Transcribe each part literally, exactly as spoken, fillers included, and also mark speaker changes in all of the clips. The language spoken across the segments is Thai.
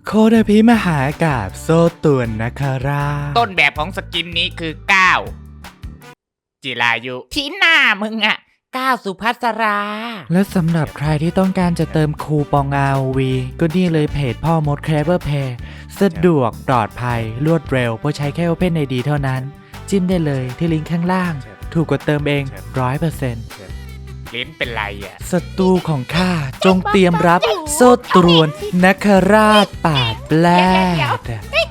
Speaker 1: โคดาพิมหากาบโซตุนนะคะรา
Speaker 2: ต้นแบบของสกินนี้คือก้าวจิรายุที่หน้ามึงอะก้าวสุภัสรา
Speaker 1: และสำหรับใครที่ต้องการจะเติมคูปอง อาร์ โอ วี ก็นี่เลยเพจพ่อมด Clever Pay สะดวกปลอดภัยรวดเร็วเพราะใช้แค่ Open ไอ ดี เท่านั้นจิ้มได้เลยที่ลิงก์ข้างล่าง ถูกกว่าเติมเอง ร้อยเปอร์เซ็นต์
Speaker 2: ลิ้นเป็นไรอะ
Speaker 1: ศัตรูของข้าจงเตรียมรับโซ่ตรวนนักราชป่าแปลด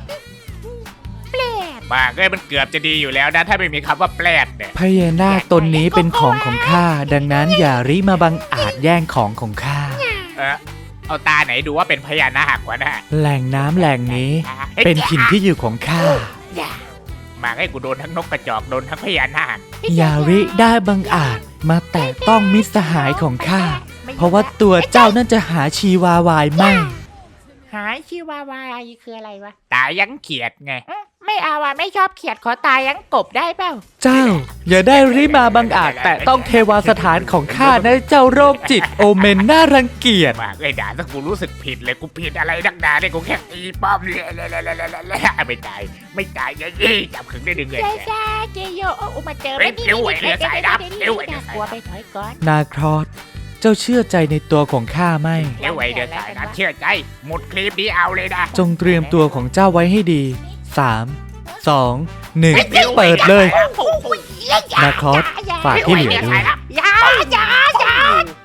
Speaker 2: มาเอ้ยมันเกือบจะดีอยู่แล้วนะถ้าไม่มีคำว่าแปลดเนี่ย
Speaker 1: พญานาคตนนี้เป็นของของข้าดังนั้นอย่าริมาบังอาจแย่งของของข้า
Speaker 2: เออเอาตาไหนดูว่าเป็นพญานาควะนะ
Speaker 1: แหล่งน้ำแหล่งนี้เป็นถิ่นที่อยู่ของข้า
Speaker 2: มาให้กูโดนทั้งนกกระจอกโดนทั้งพญานาค
Speaker 1: อย่าริได้บังอาจมาแตะต้องมิตรสหายของข้าเพราะว่าตัวเจ้านั่นจะหาชีวาวายไม่
Speaker 3: หาชีวาวายคืออะไรวะ
Speaker 2: ตายังเขียดไง
Speaker 3: ไม่เอาอ่ะไม่ชอบเขียดขอตายยังกบได้เปล่า
Speaker 1: เจ้าอย่าได้ริมาบังอาจแต่ต้องเทวาสถานของข้านะเจ้าโรคจิตโอเมนน่ารังเกียจ
Speaker 2: มาเลยด่าถ้ากูรู้สึกผิดเลยกูผิดอะไรนักหนาเนี่ยกูแค่ตีป้อมเลยไม่ตายไม่ตายยังยี่จับขึงได้ดึงเลย
Speaker 3: เจ๊จ้าเจโยโอ้มาเจอ
Speaker 2: ไม่ดีไม่ดีไม่ดีไม่ดี
Speaker 3: กลัวไปถอยก่อน
Speaker 1: นาครอสเจ้าเชื่อใจในตัวของข้าไหม
Speaker 2: เดี๋ยวไว้เดี๋ยวสายนะเชื่อใจหมดคลิปนี้เอาเลยนะ
Speaker 1: จงเตรียมตัวของเจ้าไว้ให้ดีสามสองหนึ่งเปิดเลยนาครอสฝากที่เหลือด้วย
Speaker 3: ยาอยาอยา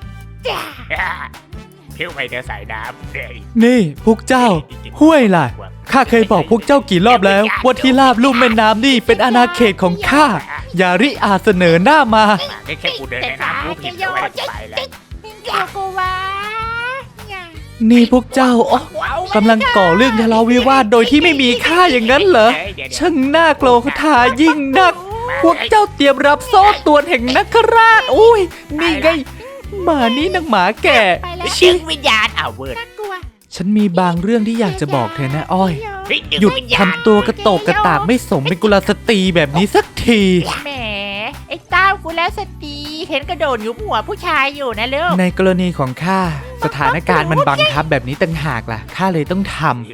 Speaker 2: เที่ยวไปเดี๋ยวสายน้
Speaker 1: ำนี่พวกเจ้าห้วยล่ะข้าเคยบอกพวกเจ้ากี่รอบแล้วว่าที่ราบลุ่มแม่น้ำนี่เป็นอาณาเขตของข้าอย่าริอาเสนอหน้ามา
Speaker 2: แค่กูเดินในน้ำกูผิดเอาไว้ไปแล้ว
Speaker 3: กูว่า
Speaker 1: นี่พวกเจ้ากำลังก่อเรื่องทะเลาะวิวาทโดยที่ไม่มีข้าอย่างนั้นเหรอช่างน่าโกรธายิ่งนักพวกเจ้าเตรียมรับโซ่ตรวนแห่งนักราชอุ้ยนี่ไงหมานี่นักหมาแก่
Speaker 2: ชิงวิญญาณเอาเวิร์ด
Speaker 1: ฉันมีบางเรื่องที่อยากจะบอกเธอนะอ้อยหยุดทำตัวกระโตกกระตากไม่สมเป็นกุลสตรีแบบนี้สักที
Speaker 3: แหมไอ้เต้ากุลสตรีเห็นกระโดดยุบหัวผู้ชายอยู่นะลูก
Speaker 1: ในกรณีของข้าสถานการณ์มันบังคับแบบนี้ต่างหากล่ะข้าเลยต้องทำ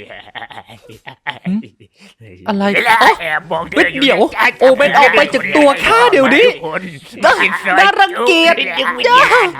Speaker 1: อะไร
Speaker 2: แอบบอก
Speaker 1: เดี๋ยวโอเมนออกไปจากตัวข้าเดี๋ยวนี้น่ารังเกียจจ้า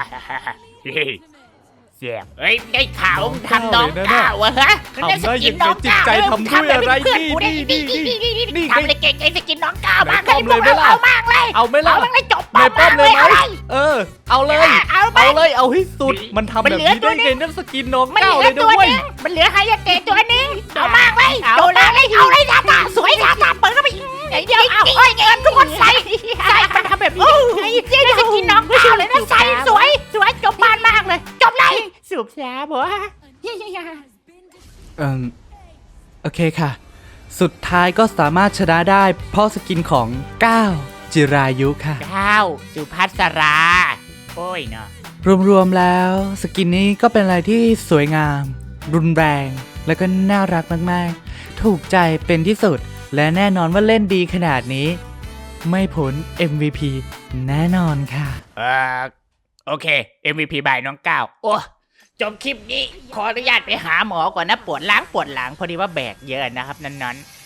Speaker 2: เสียบเฮ้ยได้ข่าวทำน้องก้าวฮะ
Speaker 1: ทำได้ยังไงจิตใจทำด้วยอะไรนี่นี่นี่นี่
Speaker 3: ทำเลยเก่งไอ้สกินน้องก้าวมากเลยพวกเราเอามากเลย
Speaker 1: เอาไม่ล่ะ
Speaker 3: เอาเลยจบ
Speaker 1: ไม่ป้อมเลยไหมเออเอาเลยเอาเลยเอาให้สุดมันทำแบบนี้ได้ไงนั่นสกินน้องก้าวเลยด้วย
Speaker 3: มันเหลือไฮยาเตะตัวนึงเอามากเลยโดนเลยเอาเลยดาตาสวยดาตาเปิดเข้าไปเดี๋ยวเอาอ้อยเงินทุกคนใส่ใส่มันทำแบบนี้เจ๊จะกินน้องก้าวเลยนะใส่สวยสวยจบบ้านมากเลยจบเลยสูบแซ่บวะ
Speaker 1: เออโอเคค่ะสุดท้ายก็สามารถชนะได้เพราะสกินของก้าวจิรายุค่ะ
Speaker 2: ก้าวสุภัสราโอ้ยเนาะ
Speaker 1: รวมๆแล้วสกินนี้ก็เป็นอะไรที่สวยงามรุนแรงแล้วก็น่ารักมากๆถูกใจเป็นที่สุดและแน่นอนว่าเล่นดีขนาดนี้ไม่พ้น เอ็ม วี พี แน่นอนค่ะ
Speaker 2: เออโอเค เอ็ม วี พี บายน้องก้าวโอ้จบคลิปนี้ขออนุญาตไปหาหมอก่อนนะปวดหลังปวดหลังพอดีว่าแบกเยอะนะครับนั้นๆ